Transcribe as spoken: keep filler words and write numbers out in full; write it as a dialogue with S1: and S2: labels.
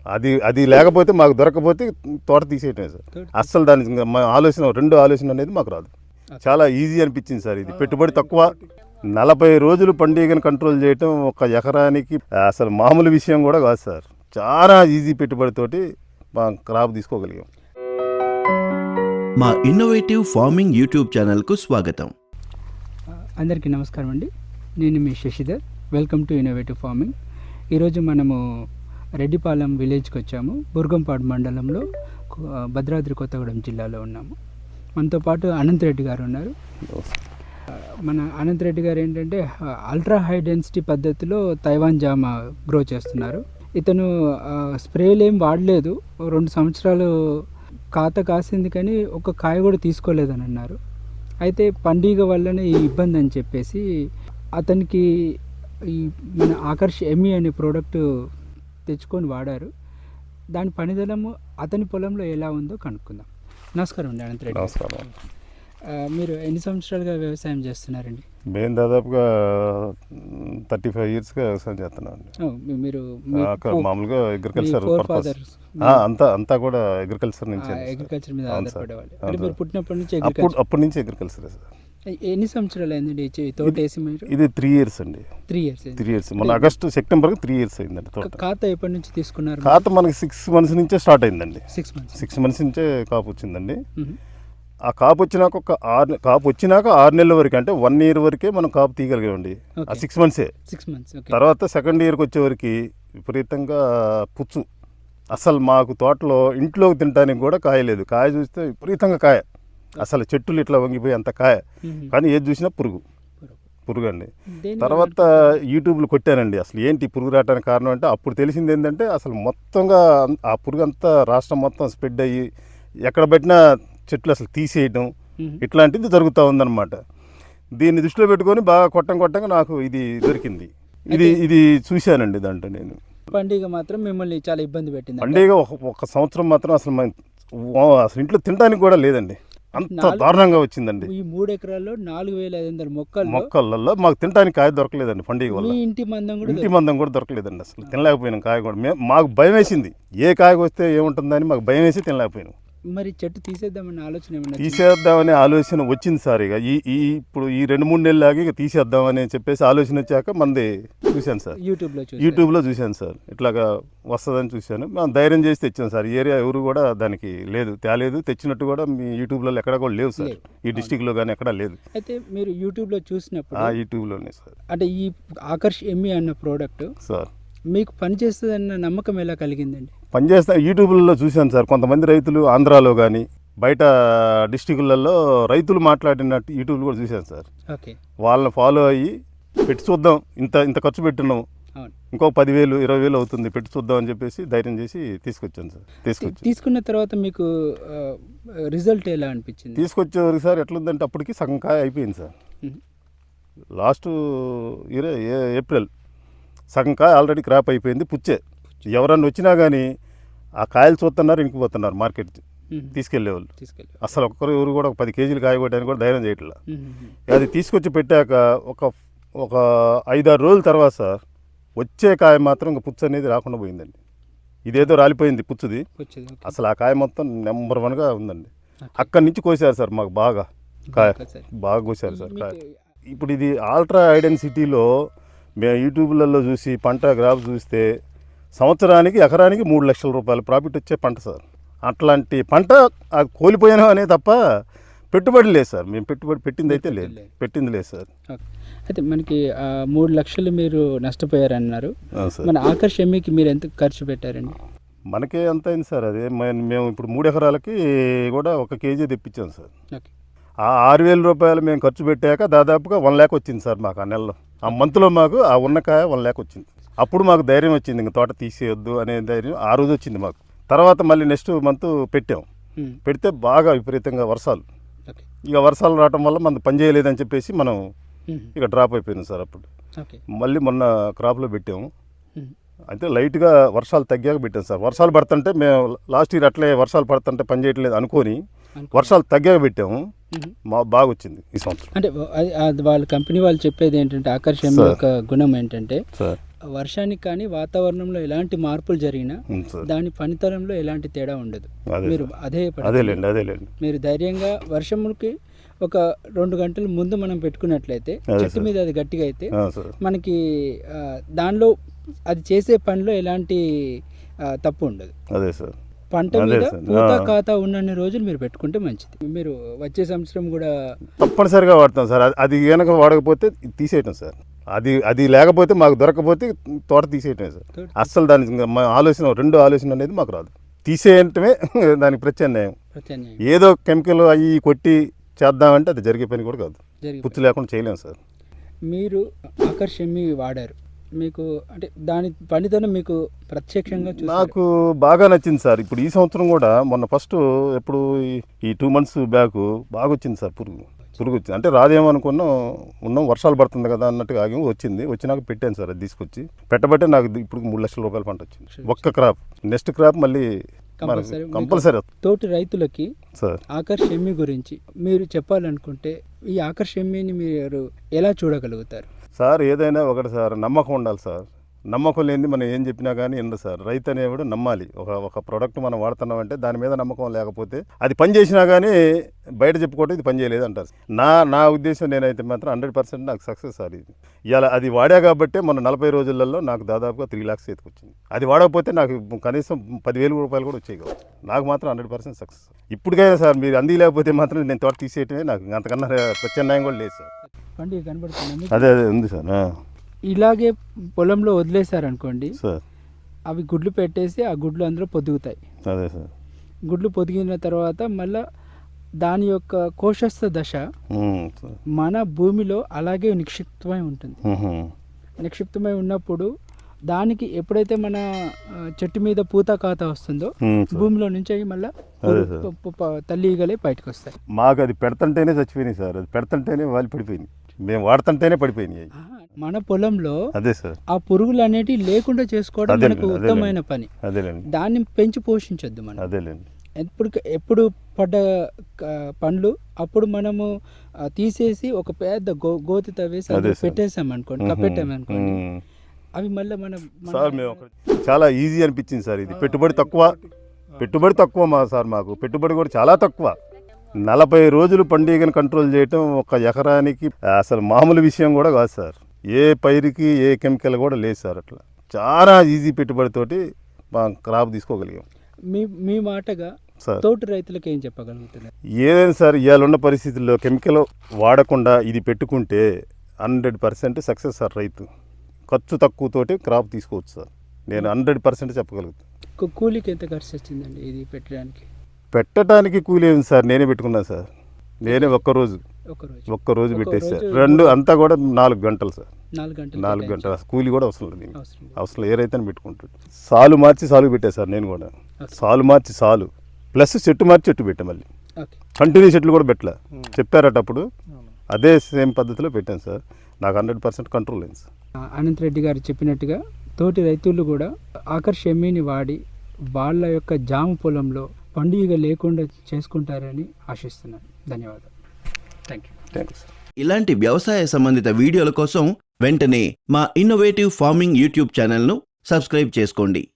S1: అది అది లేకపోతే మాకు దొరకకపోతే తోట తీసేయటమే సార్. అస్సలు దాని ఇంకా మా ఆలోచన రెండు ఆలోచన అనేది మాకు రాదు. చాలా ఈజీ అనిపించింది సార్. ఇది పెట్టుబడి తక్కువ, నలభై రోజులు పండుగను కంట్రోల్ చేయటం ఒక ఎకరానికి అసలు మామూలు విషయం కూడా కాదు సార్. చాలా ఈజీ పెట్టుబడితోటి మా క్రాప్ తీసుకోగలిగాం.
S2: మా ఇన్నోవేటివ్ ఫార్మింగ్ యూట్యూబ్ ఛానల్కు స్వాగతం.
S3: అందరికీ నమస్కారం అండి. నేను మీ Shashidhar. Welcome to innovative farming. ఈరోజు మనము రెడ్డిపాలెం విలేజ్కి వచ్చాము. బుర్గంపాడు మండలంలో భద్రాద్రి కొత్తగూడెం జిల్లాలో ఉన్నాము. మనతో పాటు అనంత్ రెడ్డి గారు ఉన్నారు. మన అనంత్ రెడ్డి గారు ఏంటంటే అల్ట్రా హై డెన్సిటీ పద్ధతిలో తైవాన్ జామ గ్రో చేస్తున్నారు. ఇతను స్ప్రేలు ఏం వాడలేదు. రెండు సంవత్సరాలు కాత కాసింది కానీ ఒక కాయ కూడా తీసుకోలేదని అన్నారు. అయితే పండుగ వల్లనే ఈ ఇబ్బంది అని చెప్పేసి అతనికి ఈ మన ఆకర్ష్ ఎమ్మి అనే ప్రోడక్ట్ తెచ్చుకొని వాడారు. దాని పనిదలము అతని పొలంలో ఎలా ఉందో కనుక్కుందాం. నమస్కారం అండి అనంత్ రెడ్డి.
S1: నమస్కారం.
S3: మీరు ఎన్ని సంవత్సరాలుగా వ్యవసాయం చేస్తున్నారండి?
S1: మేము దాదాపుగా థర్టీ ఫైవ్ ఇయర్స్గా వ్యవసాయం చేస్తున్నాం.
S3: మీరు
S1: మామూలుగా అగ్రికల్చర్ పర్పస్ అంతా అంతా కూడా అగ్రికల్చర్ నుంచి
S3: అగ్రికల్చర్ మీద ఆధారపడేవాళ్ళు. అంటే మీరు పుట్టినప్పటి నుంచి
S1: అప్పటి నుంచి అగ్రికల్చర్ సార్.
S3: ఎన్ని సంవత్సరాలు అయిందండి తోట వేసి మీరు?
S1: ఇది త్రీ ఇయర్స్ అండి.
S3: త్రీ ఇయర్స్
S1: త్రీ ఇయర్స్ మన ఆగస్టు సెప్టెంబర్కి త్రీ ఇయర్స్ అయిందండి.
S3: ఖాత ఎప్పటి నుంచి తీసుకున్నారు?
S1: ఖాత మనకి సిక్స్ మంత్స్ నుంచే స్టార్ట్ అయిందండి.
S3: సిక్స్ మంత్స్
S1: సిక్స్ మంత్స్ నుంచే కాపు వచ్చిందండి. ఆ కాపు వచ్చినాక ఒక ఆరు కాపు వచ్చినాక ఆరు నెలల వరకు, అంటే వన్ ఇయర్ వరకే మనం కాపు తీయగలిగామండి. ఆ సిక్స్ మంత్సే.
S3: సిక్స్ మంత్స్
S1: తర్వాత సెకండ్ ఇయర్కి వచ్చేవరకు విపరీతంగా పుచ్చు. అసలు మాకు తోటలో ఇంట్లోకి తినడానికి కూడా కాయలేదు. కాయ చూస్తే విపరీతంగా కాయ, అసలు చెట్టులు ఇట్లా వంగిపోయి అంత కాయ, కానీ ఏది చూసినా పురుగు పురుగు అండి. తర్వాత యూట్యూబ్లో కొట్టానండి అసలు ఏంటి పురుగు రావడానికి కారణం అంటే అప్పుడు తెలిసింది ఏంటంటే అసలు మొత్తంగా ఆ పురుగు అంతా రాష్ట్రం మొత్తం స్ప్రెడ్ అయ్యి ఎక్కడ పెట్టినా చెట్లు అసలు తీసేయడం ఇట్లాంటిది జరుగుతూ ఉందన్నమాట. దీన్ని దృష్టిలో పెట్టుకొని బాగా కొట్టం కొట్టంగా నాకు ఇది దొరికింది. ఇది ఇది చూశానండి. దాంట్లో నేను
S3: పండుగ మాత్రం మిమ్మల్ని చాలా ఇబ్బంది పెట్టింది.
S1: పండుగ ఒక సంవత్సరం మాత్రం అసలు అసలు ఇంట్లో తినడానికి కూడా లేదండి, అంత దారుణంగా వచ్చిందండి.
S3: ఈ మూడు ఎకరాల్లో నాలుగు వేల ఐదు వందల మొక్కలు
S1: మొక్కలలో మాకు తినడానికి కాయ దొరకలేదండి. పండుగ వల్ల
S3: ఇంటి మందం కూడా
S1: ఇంటి మందం కూడా దొరకలేదండి. అసలు తినలేకపోయినాం కాయ కూడా. మేము మాకు భయం వేసింది, ఏ కాయ వస్తే ఏముంటుందని మాకు భయం వేసి తినలేకపోయినాం.
S3: మరి చెట్టు తీసేద్దామని ఆలోచన ఏమన్నా?
S1: తీసేద్దామనే ఆలోచన వచ్చింది సార్. ఇక ఈ ఈ ఇప్పుడు ఈ రెండు మూడు నెలలు ఆగి ఇక తీసేద్దామని చెప్పేసి ఆలోచన వచ్చాక మంది చూశాను సార్.
S3: యూట్యూబ్లో
S1: యూట్యూబ్లో చూశాను సార్. ఇట్లాగా వస్తుందని చూశాను. మేము ధైర్యం చేసి తెచ్చాం సార్. ఈ ఏరియా ఎవరు కూడా దానికి లేదు, తేలేదు. తెచ్చినట్టు కూడా మీ యూట్యూబ్లో ఎక్కడ కూడా లేవు సార్. ఈ డిస్టిక్లో కానీ ఎక్కడా లేదు.
S3: అయితే మీరు యూట్యూబ్లో చూసినప్పుడు
S1: ఆ యూట్యూబ్లోనే సార్.
S3: అంటే ఈ ఆకర్ష్ ఎమ్మి అన్న ప్రోడక్ట్
S1: సార్
S3: మీకు పనిచేస్తుందన్న నమ్మకం ఎలా కలిగిందండి?
S1: పనిచేస్తా యూట్యూబ్లలో చూశాను సార్. కొంతమంది రైతులు ఆంధ్రాలో కానీ బయట డిస్టిక్లలో రైతులు మాట్లాడినట్టు యూట్యూబ్లో కూడా చూశాను సార్.
S3: ఓకే.
S1: వాళ్ళని ఫాలో అయ్యి పెట్టి చూద్దాం, ఇంత ఇంత ఖర్చు పెట్టినాము, ఇంకో పదివేలు ఇరవై వేలు అవుతుంది, పెట్టి చూద్దాం అని చెప్పేసి ధైర్యం చేసి తీసుకొచ్చాను సార్. తీసుకొచ్చి తీసుకున్న
S3: తర్వాత మీకు రిజల్ట్ ఎలా అనిపించింది?
S1: తీసుకొచ్చేవరకు సార్ ఎట్లుందంటే అప్పటికి సగం కాయ అయిపోయింది సార్. లాస్ట్ ఇయర్ ఏప్రిల్ సగం కాయ ఆల్రెడీ క్రాప్ అయిపోయింది. పుచ్చే ఎవరన్నా వచ్చినా కానీ ఆ కాయలు చూస్తున్నారు, ఇంకిపోతున్నారు మార్కెట్ తీసుకెళ్లేవాళ్ళు. అసలు ఒక్కరు ఎవరు కూడా ఒక పది కేజీలు కాయ కొట్టడానికి కూడా ధైర్యం చేయట్లా. అది తీసుకొచ్చి పెట్టాక ఒక ఒక ఐదారు రోజుల తర్వాత సార్ వచ్చే కాయ మాత్రం ఇంకా పుచ్చు అనేది రాకుండా పోయిందండి. ఇదేదో రాలిపోయింది పుచ్చుది, అసలు ఆ కాయ మొత్తం నెంబర్ వన్గా ఉందండి. అక్కడి నుంచి కోసారు సార్ మాకు బాగా కాయ, బాగా కోసారు సార్ కాయ. ఇప్పుడు ఇది అల్ట్రా హై డెన్సిటీలో మేము యూట్యూబ్లలో చూసి పంట గ్రాఫ్ చూస్తే సంవత్సరానికి ఎకరానికి మూడు లక్షల రూపాయలు ప్రాఫిట్ వచ్చే పంట సార్. అట్లాంటి పంట కోల్పోయాను అనే తప్ప పెట్టుబడి లేదు సార్. మేము పెట్టుబడి పెట్టింది అయితే లేదు, పెట్టింది లేదు సార్.
S3: అయితే మనకి మూడు లక్షలు మీరు నష్టపోయారన్నారు. మన ఆకర్ష్ ఎమ్మికి మీరు ఎంత ఖర్చు పెట్టారండి?
S1: మనకే ఎంత అయింది సార్. అదే మేము ఇప్పుడు మూడు ఎకరాలకి కూడా ఒక కేజీ తెప్పించాం సార్. ఆ ఆరు వేల రూపాయలు మేము ఖర్చు పెట్టాక దాదాపుగా వన్ ల్యాక్ వచ్చింది సార్ మాకు ఆ నెలలో. ఆ మంత్లో మాకు ఆ ఉన్నకాయ వన్ ల్యాక్ వచ్చింది. అప్పుడు మాకు ధైర్యం వచ్చింది, ఇంక తోట తీసేయొద్దు అనే ధైర్యం ఆ రోజు వచ్చింది మాకు. తర్వాత మళ్ళీ నెక్స్ట్ మంత్ పెట్టాం. పెడితే బాగా విపరీతంగా వర్షాలు, ఇక వర్షాలు రావడం వల్ల మనం పని చేయలేదని చెప్పేసి మనం ఇక డ్రాప్ అయిపోయింది సార్. అప్పుడు మళ్ళీ మొన్న క్రాప్లో పెట్టాము. అయితే లైట్గా వర్షాలు తగ్గాక పెట్టాం సార్. వర్షాలు పడుతుంటే మేము లాస్ట్ ఇయర్ అట్లే వర్షాలు పడుతుంటే పని చేయట్లేదు అనుకొని వర్షాలు తగ్గాక పెట్టాము. మా బాగా వచ్చింది ఈ సంవత్సరం.
S3: అంటే వాళ్ళ కంపెనీ వాళ్ళు చెప్పేది ఏంటంటే ఆకర్షణ యొక్క గుణం ఏంటంటే వర్షానికి కానీ వాతావరణంలో ఎలాంటి మార్పులు జరిగినా
S1: ఉమ్, సార్
S3: దాని పనితనంలో ఎలాంటి తేడా ఉండదు.
S1: అదే
S3: మీరు అదే పడకండి.
S1: అదేలేండి అదేలేండి
S3: మీరు ధైర్యంగా వర్షంకి ఒక రెండు గంటల ముందు మనం పెట్టుకున్నట్లయితే
S1: అదే
S3: చెట్టు
S1: సార్.
S3: మీద అది గట్టిగా అయితే
S1: ఆ, సార్
S3: మనకి ఆ, దానిలో అది చేసే పనిలో ఎలాంటి ఆ, తప్పు ఉండదు.
S1: అదే సార్
S3: పంట
S1: అదే
S3: మీద
S1: సార్.
S3: పూత
S1: ఆ.
S3: ఖాతా ఉన్నన్ని రోజులు మీరు పెట్టుకుంటే మంచిది. మీరు వచ్చే సంవత్సరం కూడా
S1: తప్పనిసరిగా వాడతాం సార్. అది- అది కనుక వాడకపోతే ఇది తీసేయటం సార్. అది అది లేకపోతే మాకు దొరకకపోతే తోట తీసేయటమే సార్.
S3: తోట
S1: అస్సలు దాని ఇంకా మా ఆలోచన రెండు ఆలోచన అనేది మాకు రాదు. తీసేయటమే దానికి ప్రత్యామ్నాయం.
S3: ప్రత్యామ్నాయం
S1: ఏదో కెమికల్ అవి కొట్టి చేద్దామంటే అది జరిగే పని కూడా కాదు.
S3: జరిగి
S1: పుచ్చు లేకుండా చేయలేము సార్.
S3: మీరు ఆకర్షమి వాడారు, మీకు అంటే దాని పనితనం మీకు ప్రత్యక్షంగా చూసారు.
S1: నాకు బాగా నచ్చింది సార్. ఇప్పుడు ఈ సంవత్సరం కూడా మొన్న ఫస్ట్ ఎప్పుడు ఈ- ఈ టూ మంత్స్ బ్యాక్ బాగా వచ్చింది సార్. పురుగు పురుగు వచ్చింది అంటే రాదేమో అనుకున్నాం. ఉన్నాం వర్షాలు పడుతుంది కదా అన్నట్టుగా ఆగి వచ్చింది. వచ్చినాక పెట్టాను సార్. అది తీసుకొచ్చి పెట్టబట్టే నాకు ఇది ఇప్పుడు మూడు లక్షల రూపాయల పంట వచ్చింది ఒక్క క్రాప్. నెక్స్ట్ క్రాప్ మళ్ళీ
S3: కంపల్సరీ
S1: కంపల్సరీ
S3: తోటి రైతులకి
S1: సార్.
S3: ఆకర్షమి గురించి మీరు చెప్పాలనుకుంటే ఈ ఆకర్షమిని మీరు ఎలా చూడగలుగుతారు?
S1: సార్ ఏదైనా ఒకటి సార్, నమ్మకం ఉండాలి సార్. నమ్మకం లేనిది మనం ఏం చెప్పినా కానీ ఎందు సార్. రైతు అనేవాడు నమ్మాలి. ఒక ఒక ప్రోడక్ట్ మనం వాడుతున్నామంటే దాని మీద నమ్మకం లేకపోతే అది పని చేసినా కానీ బయట చెప్పుకోవటం ఇది పని చేయలేదు అంటారు. నా నా ఉద్దేశం నేనైతే మాత్రం హండ్రెడ్ పర్సెంట్ నాకు సక్సెస్ సార్ ఇది. ఇలా అది వాడా కాబట్టే మన నలభై రోజులలో నాకు దాదాపుగా త్రీ ల్యాక్స్ చేతికి వచ్చింది. అది వాడకపోతే నాకు కనీసం పదివేలు రూపాయలు కూడా వచ్చేవి కావు. నాకు మాత్రం హండ్రెడ్ పర్సెంట్ సక్సెస్. ఇప్పటికైనా సార్ మీరు అంది లేకపోతే మాత్రం నేను తోట తీసేయటమే. నాకు అంతకన్నా ప్రత్యామ్నాయం కూడా లేదు సార్.
S3: పండుగ కనబడుతుంది
S1: అదే అదే ఉంది సార్. ఆ,
S3: ఇలాగే పొలంలో వదిలేశారనుకోండి,
S1: సార్
S3: అవి గుడ్లు పెట్టేసి ఆ గుడ్లు అందులో పొదుగుతాయి.
S1: అదే సార్.
S3: గుడ్లు పొదిగిన తర్వాత మళ్ళా దాని యొక్క కోశస్థ దశ
S1: ఉమ్, సార్.
S3: మన భూమిలో అలాగే నిక్షిప్తమై ఉంటుంది.
S1: ఉహు.
S3: నిక్షిప్తమై ఉన్నప్పుడు దానికి ఎప్పుడైతే మన ఆ, చెట్టు మీద పూత ఖాతా వస్తుందో
S1: ఉమ్, సార్.
S3: భూమిలో నుంచి అవి మళ్ళీ
S1: అదే సార్.
S3: తల్లి ఈగలే బయటకు వస్తాయి.
S1: మాకు అది పెడతంటేనే చచ్చిపోయినాయి సార్. అది పెడతంటేనే వాళ్ళు పడిపోయింది. మేము వాడుతుంటేనే పడిపోయినాయి.
S3: ఆహా, మన పొలంలో
S1: అదే సార్.
S3: ఆ పురుగులు అనేటివి లేకుండా చేసుకోవడం
S1: అదేలేండి,
S3: మనకు
S1: అదేలేండి.
S3: ఉత్తమమైన పని.
S1: అదేలేండి
S3: దాన్ని పెంచి పోషించొద్దు మనం.
S1: అదేలేండి.
S3: ఎప్పుడు ఎప్పుడు పడ్డ క- పండ్లు అప్పుడు మనము ఆ, తీసేసి ఒక పెద్ద గో గోతి తవ్వేసి
S1: అదే
S3: అందులో
S1: సార్.
S3: పెట్టేసాం అనుకోండి,
S1: ఉహు.
S3: కప్పెట్టామనుకోండి,
S1: ఉమ్.
S3: అవి మళ్ళీ మనం మన-
S1: సార్ మేము ఒక- చాలా ఈజీ అనిపించింది సార్. ఇది పెట్టుబడి తక్కువ. పెట్టుబడి తక్కువ మా సార్. మాకు పెట్టుబడి కూడా చాలా తక్కువ. నలభై రోజులు పండుగను కంట్రోల్ చేయటం ఒక ఎకరానికి అసలు మామూలు విషయం కూడా కాదు సార్. ఏ పైరుకి ఏ కెమికల్ కూడా లేదు సార్. అట్లా చాలా ఈజీ పెట్టుబడితోటి మా క్రాప్ తీసుకోగలిగాం
S3: మీ మీ మాటగా
S1: సార్.
S3: తోటి రైతులకు ఏం చెప్పగలుగుతున్నారు?
S1: ఏదైనా సార్ ఇవాళ ఉన్న పరిస్థితుల్లో కెమికల్ వాడకుండా ఇది పెట్టుకుంటే హండ్రెడ్ పర్సెంట్ సక్సెస్ సార్. రైతు ఖర్చు తక్కువతోటి క్రాప్ తీసుకోవచ్చు సార్. నేను హండ్రెడ్ పర్సెంట్ చెప్పగలుగుతాను.
S3: కూ- కూలీకి ఎంత ఖర్చు వచ్చిందండి ఇది పెట్టడానికి?
S1: పెట్టడానికి కూలి ఏమి సార్, నేనే పెట్టుకున్నాను సార్. నేనే ఒక్కరోజు
S3: ఒకరోజు
S1: ఒక్కరోజు
S3: ఒక్క
S1: పెట్టేసి సార్.
S3: రోజు
S1: రెండు అంతా కూడా నాలుగు గంటలు సార్.
S3: నాలుగు గంటలు
S1: నాలుగు గంటలు కూలి కూడా అవసరం లేదు దీనికి.
S3: అవసరం లేదు.
S1: అవసరం ఏ రైతు పెట్టుకుంటాడు. సాలు మార్చి సాలు పెట్టాను సార్ నేను కూడా.
S3: ఓకే.
S1: సాలు మార్చి సాలు ప్లస్ చెట్టు మార్చి చెట్టు పెట్టా. మళ్ళీ
S3: ఓకే.
S1: కంటిన్యూ చెట్లు కూడా పెట్టలే. చెప్పారట అప్పుడు అదే సేమ్ పద్ధతిలో పెట్టాను సార్. నాకు హండ్రెడ్ పర్సెంట్ కంట్రోల్ అయింది సార్.
S3: ఆ, అనంత్ రెడ్డి గారు చెప్పినట్టుగా తోటి రైతులు కూడా ఆకర్షమిని వాడి వాళ్ళ యొక్క జామ పొలంలో పండుగ లేకుండా చేసుకుంటారని ఆశిస్తున్నాను. ధన్యవాదాలు. Thank you.
S1: Thank you sir.
S2: ఇలాంటి వ్యవసాయ సంబంధిత వీడియోల కోసం వెంటనే మా ఇన్నోవేటివ్ ఫార్మింగ్ యూట్యూబ్ ఛానల్ను సబ్స్క్రైబ్ చేసుకోండి.